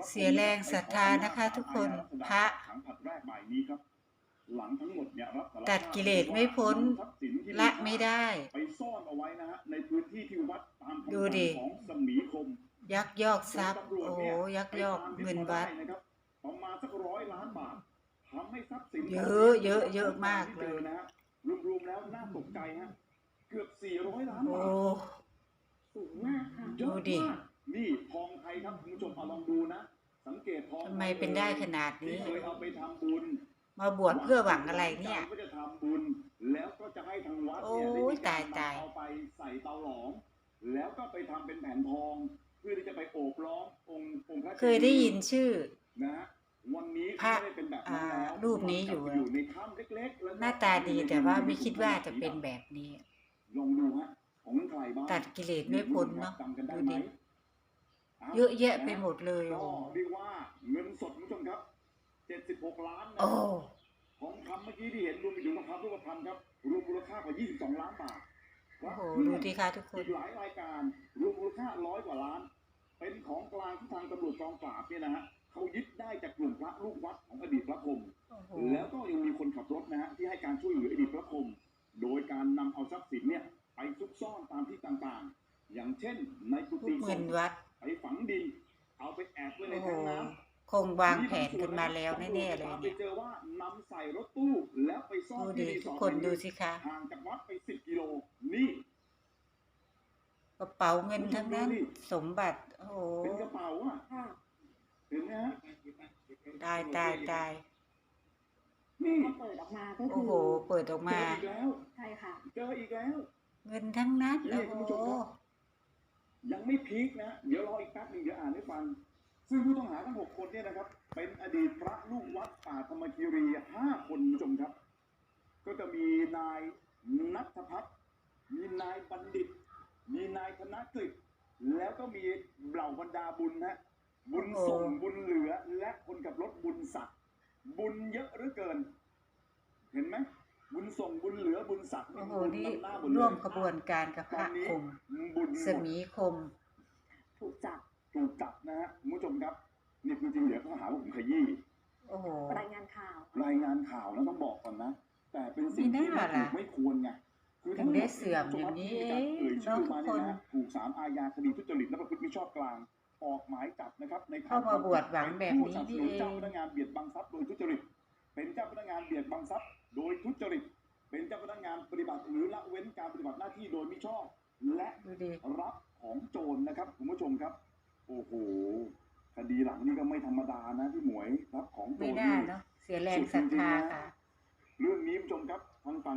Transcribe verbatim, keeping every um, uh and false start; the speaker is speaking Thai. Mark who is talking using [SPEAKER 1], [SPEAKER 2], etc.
[SPEAKER 1] เสียแรงศรัทธานะคะทุกคนพระตัดกิเลสไม่พ้นละไม่ได้
[SPEAKER 2] ไปซ่อนเอาไว้นะฮะในพื้นที่ที่วัดตามคำสั่งของสมีคม
[SPEAKER 1] ยักยอกทรัพย์โอ้ยักยอกเงินวัด
[SPEAKER 2] ประมาณสักร้อยล้านบาททำให้ทรัพย์สิน
[SPEAKER 1] เยอะเยอะเยอะมากเลย
[SPEAKER 2] นะฮะรวมๆแล้วน่าตกใจฮะเกือบสี่ร้อยล้านบาท
[SPEAKER 3] สูงมากค่ะ
[SPEAKER 1] ดูดิ
[SPEAKER 2] นี่ทองไทยครับคุณผู้ชมเอาลองดูนะสังเกตทอง
[SPEAKER 1] ทำไมเป็นได้ขนาดนี้
[SPEAKER 2] เคยเอาไปทำบุญ
[SPEAKER 1] มาบวชเพื่อหวังอะไรเนี่ย
[SPEAKER 2] ก็จะทำบุญแล้วก็จะให้ทางวัด
[SPEAKER 1] โอ้ยตายตาย
[SPEAKER 2] เอาไปใส่เตาหลอมแล้วก็ไปทำเป็นแผ่นทองเพื่อที่จะไปโอบล้อมองค์องค์พระ
[SPEAKER 1] เคยได้ยินชื่อ
[SPEAKER 2] นะวันนี้
[SPEAKER 1] พระรูปนี้อยู่
[SPEAKER 2] ในถ้ำเล็กๆ
[SPEAKER 1] หน้าตาดีแต่ว่าไม่คิดว่าจะเป็นแบบนี้
[SPEAKER 2] ลองดูฮะของใครบ้าง
[SPEAKER 1] ตัดกิเลสไม่พ้นเนาะดูดิเยอะแยะไปหมดเลย
[SPEAKER 2] ก็เรียกว่าเงินสดคุณผู้ชมครับเจ็ดสิบหกล้านนะของคำเมื่อกี้ที่เห็นรวมไปถึงทองคำรูปพรรณครับรวมมูลค่ากว่ายี่สิบสองล้านบาท
[SPEAKER 1] โอ้โหดูดิค่ะทุกคน
[SPEAKER 2] อีกหลายรายการรวมมูลค่าร้อยกว่าล้านเป็นของกลางที่ทางตำรวจกองปราบเนี่ยนะฮะเขายึดได้จากกลุ่มพระลูกวัดของอดีตพระพรหมแล้วก็ยังมีคนขับรถนะฮะที่ให้การช่วยเหลืออดีตพระพรหมโดยการนำเอาทรัพย์สินเนี่ยไปซุกซ่อนตามที่ต่างๆอย่างเช่นในกุฏิ
[SPEAKER 1] สงฆ์วัด
[SPEAKER 2] ไปฝังดินเอาไปแอบไว้ในแท้งน้ำ
[SPEAKER 1] คงวางแผนกันมาแล้วแน่ๆเลยเนี่ย
[SPEAKER 2] ไปเจอว่านำใส่รถตู้แล้วไปซ่อน
[SPEAKER 1] ที่ทุกคนดูสิคะ
[SPEAKER 2] ห่างจากวัดไปสิบกิโลนี่
[SPEAKER 1] กระเป๋าเงินทั้งนั้นสมบัติโอ้โห
[SPEAKER 2] เป็นกระเป๋าอ่ะเห็นไหมฮะ
[SPEAKER 1] ตายตายตาย
[SPEAKER 3] นี่เปิดออกมาก็คือ
[SPEAKER 1] โอ้โหเปิดออกมา
[SPEAKER 2] เจออีกแล้ว
[SPEAKER 3] ใช่ค่ะ
[SPEAKER 2] เจออีกแล้ว
[SPEAKER 1] เงินทั้งนั้นโอ้โห
[SPEAKER 2] ยังไม่พีคนะเดี๋ยวรออีกแป๊บนึงเดี๋ยวอ่านให้ฟังซึ่งผู้ต้องหาทั้งหกคนเนี่ยนะครับเป็นอดีตพระลูกวัดป่าธรรมคีรีห้าคนผู้ชมครับก็จะมีนายณัฐพัฒน์มีนายบัณฑิตมีนายธนกฤษแล้วก็มีเหล่าบรรดาบุญนะบุญส่งบุญเหลือและคนขับรถบุญสัตว์บุญเยอะเหลือเกินเห็นไหมบุญส่งบุญเหลือบุญสัตว์
[SPEAKER 1] โอ้โหนี่ร่วมขบวนการกับพระคมสมีคม
[SPEAKER 3] ถูกจับ
[SPEAKER 2] ถูกจับนะฮะคุณผู้ชมครับนี่คือจริงเดี๋ยวเขาหาว่าผมขยี้
[SPEAKER 1] โอ้โห
[SPEAKER 3] รายงานข่าว
[SPEAKER 2] รายงานข่าวแล้วต้องบอกก่อนนะแต่เป็นสิ่งที่ไม่ควรไง
[SPEAKER 1] คือถึงได้เสื่อมอย่างนี้เอ่ย
[SPEAKER 2] ชื่อมาเนี่ยนะถูกศาลอาญาคดีทุจริตและประพฤติมิชอบกลางออกหมายจับนะครับใน
[SPEAKER 1] เข้ามาบวชหวังแบบนี้
[SPEAKER 2] นี่เองเจ้าพนักงานเบียดบังทรัพย์โดยทุจริตเป็นเจ้าพนักงานเบียดบังทรัพย์โดยทุจริตเป็นเจ้าพนักงานปฏิบัติหรือละเว้นการปฏิบัติหน้าที่โดยมิชอบและรับของโจรนะครับคุณผู้ชมครับโอ้โหคดีหลังนี่ก็ไม่ธรรมดานะพี่หมวยรับของโจร
[SPEAKER 1] ไม่ได้เนาะเสียแรงศรัทธาค่ะ
[SPEAKER 2] เรื่องนี้ผู้ชมครับทางฝั่ง